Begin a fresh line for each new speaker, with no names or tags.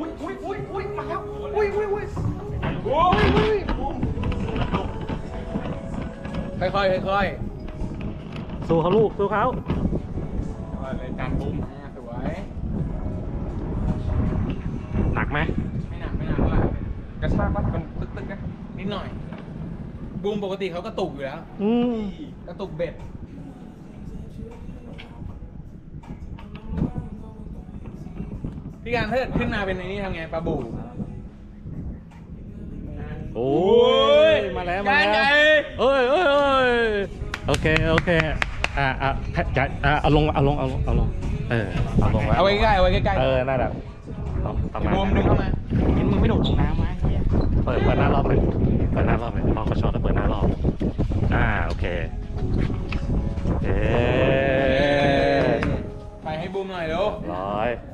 อุ้ยมาแล้วอุ้ยค่อย
สู้เขาลูกสู้เขา
เลยการบูมสวย
หนักไหม
ไม่หนักว่ากระชากว่ามันตึกนะนิดหน่อยบูมปกติเขากระตุกอยู่แล้วกระตุกเบ็ดพี่การถ้าเกิดขึ้นมาเป็นในนี้ทำไงปลาบู
โอ้ยมาแล้วโอเคเอาลงเอาลงเอาลง
เอาไว้ใกล้
นั่นแหละประมาณ
บูมดึงเข้ามา
กินมึงไม่โดดลงน้ำไหม
เปิดหน้ารอบเลยพอเขาช็อตแล้วเปิดหน้ารอบโอเค
ไปให้บูมหน่อยเร็ว
ร้อย